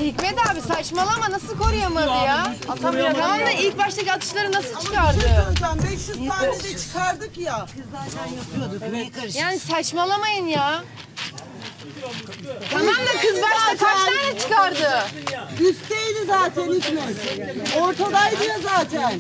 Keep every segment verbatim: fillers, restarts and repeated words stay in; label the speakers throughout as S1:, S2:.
S1: Hikmet abi saçmalama, nasıl koruyamadı ya? Atamıyor. Tamam da ilk baştaki atışları nasıl çıkardı?
S2: Hocam beş yüz tane de çıkardık ya.
S1: Yani saçmalamayın ya. Tamam da kız başta kaç tane çıkardı?
S2: Üstteydi zaten Hikmet. Ortadaydı ya zaten.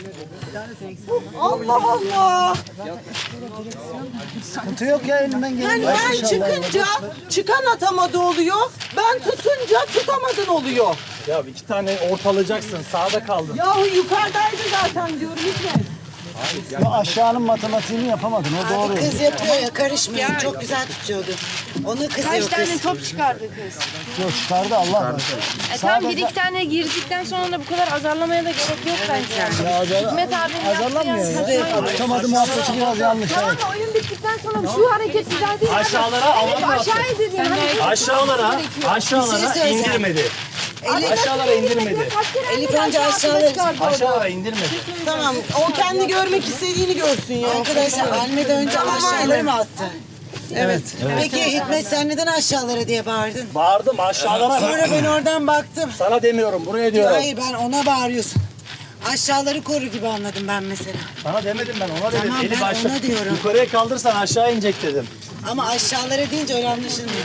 S2: Allah Allah.
S3: Sıkıntı yok ya, elimden gelen.
S2: Yani ben çıkınca çıkan atamadı oluyor. Ben tutunca tutamadın oluyor.
S4: Ya iki tane ortalayacaksın. Sağda kaldın.
S2: Yahu yukarıdaydı zaten diyorum Hikmet.
S3: Ya aşağının matematiğini yapamadın, o doğru.
S5: Kız yapıyor ya, karışmayın. Çok güzel tutuyordu. Onu
S1: Kaç
S5: kızıyor
S1: tane
S5: kız.
S1: top çıkardı kız?
S3: Yok, çıkardı Allah var.
S1: E tamam bir iki tane girdikten sonra da bu kadar azarlamaya da gerek yok bence yani.
S3: Ya azar,
S1: Hikmet abinin yaptığı
S3: azarlanmıyor
S1: yani
S3: ya.
S1: saçma.
S3: Tutamadı muhabbeti biraz yanlış.
S1: Tamam
S3: Evet.
S1: da oyun bittikten sonra şu hareket güzel değil.
S4: Aşağılara
S1: Evet,
S4: alan
S1: aşağıya dediğin hareket
S4: Aşağılara,
S5: Bir
S4: aşağılara
S5: şey söyleyeceğim.
S4: indirmedi.
S5: Elif,
S4: Aşağılara indirmedi.
S5: Elif önce aşağıları...
S4: Aşağılara indirmedi.
S2: Tamam o kendi görmek istediğini görsün ya.
S5: Arkadaşlar Almeda önce aşağıları mı attı?
S2: Evet.
S5: Peki Hikmet sen neden aşağılara diye bağırdın?
S4: Bağırdım aşağılara.
S5: Sonra ben oradan baktım.
S4: Sana demiyorum, buraya diyorum.
S5: Hayır ben ona bağırıyorsun. Aşağıları koru gibi anladım ben mesela.
S4: Sana demedim ben, ona dedim.
S5: Tamam,
S4: Elif
S5: ben
S4: aşağı.
S5: ona diyorum.
S4: Yukarıya kaldırsan aşağı inecek dedim.
S5: Ama aşağılara deyince öyle anlaşılmıyor.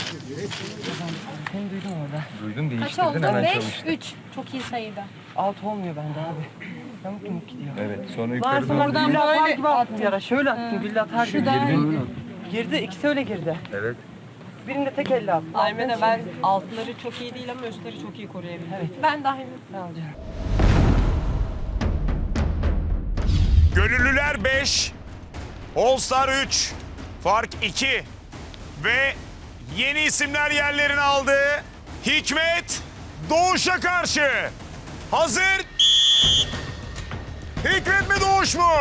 S6: Kaç oldu? beş, üç. Çok iyi sayıda.
S7: Altı olmuyor bende abi. Yamuk yumuk gidiyor.
S8: Evet, sonra yukarı
S7: Varsa
S8: doğru.
S7: oradan gülle atar gibi attım yara. Şöyle attım, gülle atar gibi. Girdi, ikisi öyle girdi.
S8: Evet.
S7: Birinde tek elle attım.
S6: Aymene ben altları çok iyi değil ama üstleri çok iyi koruyabildim. Evet. Ben de aynı.
S7: Sağ ol canım.
S9: Gönüllüler beş, All Star üç, fark iki ve yeni isimler yerlerini aldı. Hikmet Doğuş'a karşı. Hazır. Hikmet mi Doğuş mu?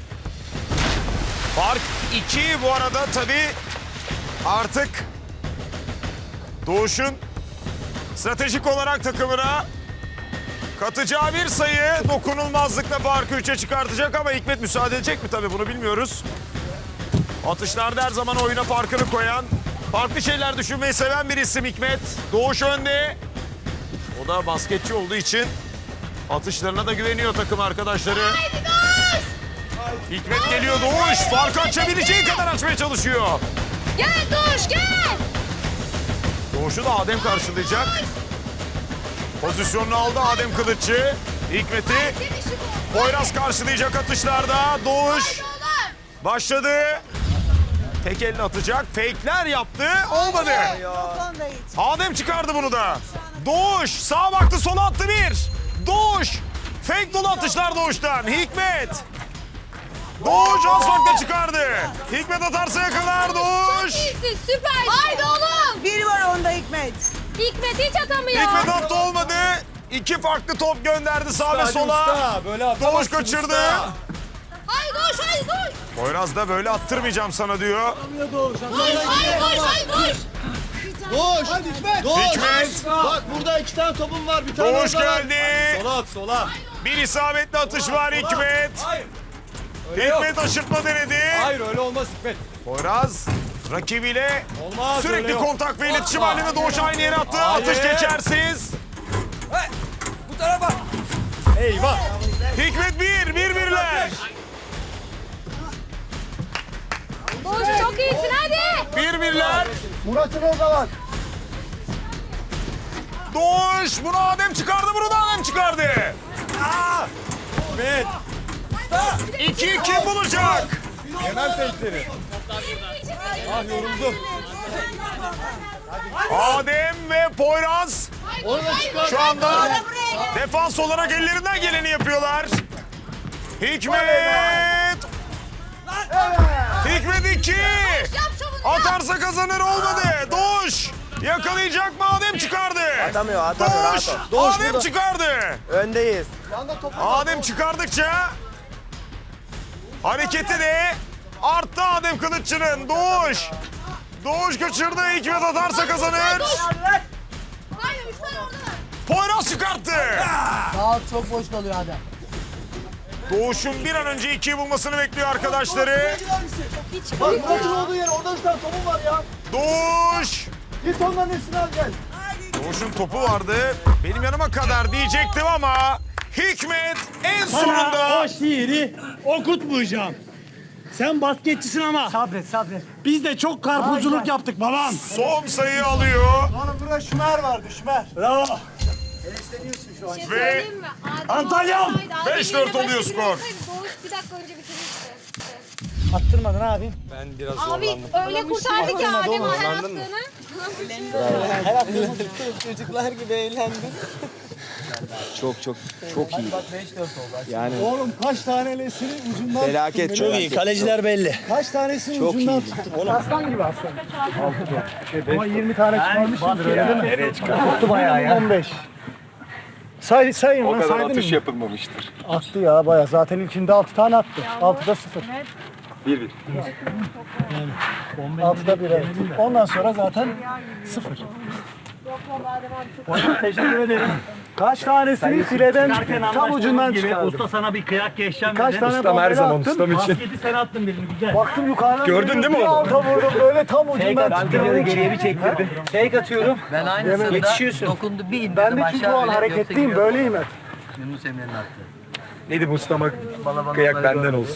S9: Fark iki bu arada tabii artık Doğuş'un stratejik olarak takımına katacağı bir sayı dokunulmazlıkla farkı üçe çıkartacak ama Hikmet müsaade edecek mi tabii bunu bilmiyoruz. Atışlarda her zaman oyuna farkını koyan, farklı şeyler düşünmeyi seven bir isim Hikmet. Doğuş önde. O da basketçi olduğu için atışlarına da güveniyor takım arkadaşları. Haydi Doğuş! Hikmet geliyor Doğuş. Farkı açabileceği kadar açmaya çalışıyor.
S1: Gel Doğuş gel.
S9: Doğuş'u da Adem karşılayacak. Pozisyonunu aldı Adem Kılıççı. Hikmet'i Poyraz karşılayacak atışlarda. Doğuş başladı. Tek elle atacak. Fake'ler yaptı. Olmadı. Adem çıkardı bunu da. Doğuş sağa baktı sola attı bir. Doğuş. Fake dolu atışlar Doğuş'tan. Hikmet. Doğuş az farkla çıkardı. Hikmet atarsa yakalar Doğuş.
S1: Süper. Haydi oğlum.
S2: Biri var onda Hikmet.
S1: Hikmet hiç atamıyor.
S9: Hikmet attı olmadı. İki farklı top gönderdi sağ ve
S4: Hadi
S9: sola.
S4: usta, böyle
S9: Doğuş
S4: atamazsın
S9: kaçırdı.
S4: usta.
S1: Haydi Doğuş haydi Doğuş.
S9: Poyraz da böyle attırmayacağım sana diyor.
S1: Haydi Doğuş haydi Doğuş.
S3: Doğuş! Hadi Hikmet! Doğuş!
S9: Hikmet.
S3: Bak burada iki tane topum var, bir tane
S9: Doğuş
S3: orada var.
S9: geldi.
S4: Sola at, sola.
S9: Bir isabetli atış var Hikmet.
S4: Hayır. Öyle yok.
S9: Hikmet aşırtma denedi.
S4: Hayır, öyle olmaz Hikmet.
S9: Poyraz rakibiyle
S4: Olmaz, öyle
S9: sürekli
S4: yok.
S9: kontak ve iletişim
S4: Atma.
S9: halinde Doğuş aynı yere attı.
S4: Hayır.
S9: Atış geçersiz.
S4: Hey, bu tarafa. Eyvah.
S9: Hikmet bir, bir birler.
S1: Doğuş çok iyisin hadi.
S9: Bir birler.
S3: Murat'ın orada var.
S9: Doğuş bunu Adem çıkardı, bunu da Adem çıkardı.
S4: Aa! Hikmet.
S9: İki kim bulacak?
S4: Hemen fake'leri. Ah yoruldum.
S9: Adem ve Poyraz
S3: Orada çıkar.
S9: şu anda defans olarak ellerinden geleni yapıyorlar. Hikmet. Hikmet iki. Atarsa kazanır olmadı. Doğuş. Yakalayacak mı? Adem çıkardı.
S8: Atamıyor, atamıyor.
S9: Doğuş.
S8: rahat ol. Doğuş
S9: Adem
S8: burada.
S9: çıkardı.
S8: Öndeyiz.
S9: Adem çıkardıkça hareketi de arttı Adem Kılıççı'nın. Doğuş. Doğuş kaçırdı. Hikmet atarsa kazanır.
S1: Haydi üç tane orada var.
S9: Poyraz çıkarttı.
S2: Daha çok boş kalıyor Adem.
S9: Doğuş'un bir an önce ikiyi bulmasını bekliyor arkadaşları.
S3: Bak Murat'ın olduğu yer, orada bir tane topum var ya.
S9: Doğuş.
S3: Git onların hepsini al gel.
S9: Doğuş'un topu vardı. Benim yanıma kadar diyecektim ama Hikmet en
S10: Sana
S9: sonunda
S10: o şiiri okutmayacağım. Sen basketçisin ama
S3: Sabret sabret.
S10: biz de çok karpuzculuk yaptık babam.
S9: son sayıyı alıyor.
S3: Oğlum burada Şümer vardı Şümer.
S10: Bravo.
S9: Ve
S10: Antalya'm.
S9: beş dört oluyor skor.
S11: Doğuş bir dakika önce bitirmişti.
S3: Attırmadın abi.
S4: Ben biraz
S11: Abi öyle kurtardı ki Adem her yaptığını.
S3: Her hafta çocuklar gibi eğlendim.
S8: Çok çok çok iyi. Yani
S3: Oğlum kaç tanesini ucundan
S8: felaket
S3: tuttum.
S8: çok iyi.
S10: Kaleciler belli.
S3: Kaç tanesini
S8: Çok
S3: ucundan
S8: iyi.
S3: tuttum. Oğlum. Aslan gibi aslan. Ama yirmi tane çıkarmışsındır öyle değil mi? Nereye çıkar? Tuttu bayağı ya. on beş. Say, sayın lan saydın mı?
S8: yapılmamıştır.
S3: Attı ya bayağı. Zaten ilkinde altı tane attı. altıda sıfır.
S8: Bir bir.
S3: altıda bir evet. Ondan sonra zaten sıfır. Hocam teşekkür ederim. Kaç tanesini fileden tam ucundan çıkardım.
S10: Usta sana bir kıyak geçeceğim
S3: Kaç
S10: dedi.
S3: tane
S8: Ustam her
S3: bombeli
S8: zaman
S3: attım.
S8: ustam için.
S10: Basketi sen attın birini güzel.
S3: Baktım yukarıdan
S8: Gördün
S3: geliyor,
S8: değil mi
S3: bir
S8: onu?
S3: alta vurdum böyle tam ucundan çıktı.
S7: geriye bir çektirdi. Fake atıyorum.
S12: Ben aynısında
S3: Yetişiyorsun.
S12: dokundu bir indirdim
S3: Ben de
S12: aşağı
S3: çünkü o an
S12: öyle,
S3: hareketliyim
S12: yoksa
S3: böyleyim hep.
S12: Yunus Emre'nin attı.
S8: Neydi bu ustama
S12: Bala bala
S8: kıyak
S12: bala
S8: benden
S12: bala.
S8: olsun.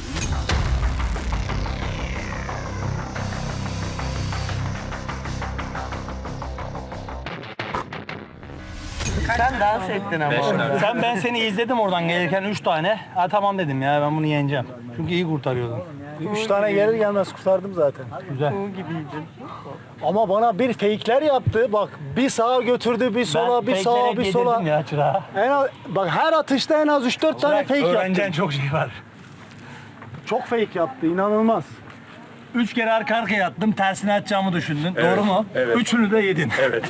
S7: Sen dans ettin ama.
S10: Sen ben seni izledim oradan gelirken üç tane. Ha tamam dedim ya ben bunu yeneceğim. Çünkü iyi kurtarıyordun.
S3: Üç tane gelir gelmez kurtardım zaten.
S10: Güzel.
S3: Ama bana bir fake'ler yaptı. Bak bir sağa götürdü, bir sola, bir sağa,
S10: fake'lere
S3: bir sola.
S10: yedirdim ya çırağa.
S3: En az, bak her atışta en az üç dört tane fake
S10: Öğreneceğin
S3: yaptı.
S10: çok şey var.
S3: Çok fake yaptı, inanılmaz.
S10: Üç kere arka arkaya attım, tersine atacağımı düşündün. Doğru mu?
S8: evet.
S10: Üçünü de yedin.
S8: Evet.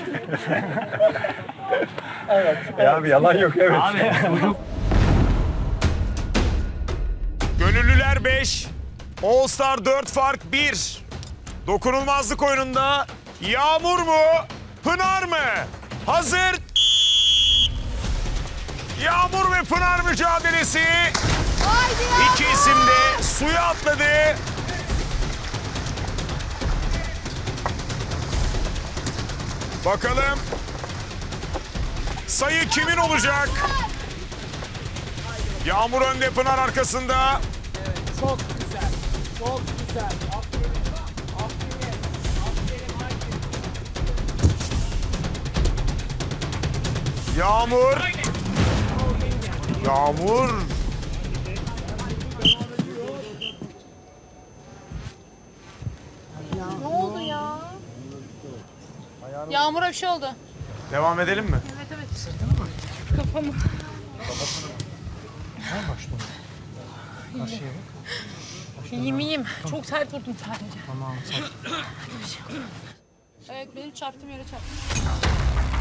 S8: E abi yalan yok evet.
S10: Abi çocuk
S9: Gönüllüler beş, All Star dört fark bir. Dokunulmazlık oyununda Yağmur mu, Pınar mı? Hazır. Yağmur ve Pınar mücadelesi. İki isim de suya atladı. Bakalım sayı kimin olacak? Yağmur önde, Pınar arkasında.
S2: Çok güzel. Çok güzel. Aferin. Aferin. Aferin.
S9: Yağmur. Yağmur.
S11: Ne oldu ya? Yağmur'a bir şey oldu.
S9: Devam edelim mi?
S11: Evet evet. Kafamı. İyiyim iyiyim. Çok sert vurdum sadece. Tamam sert. Evet benim çarptığım yere çarptım.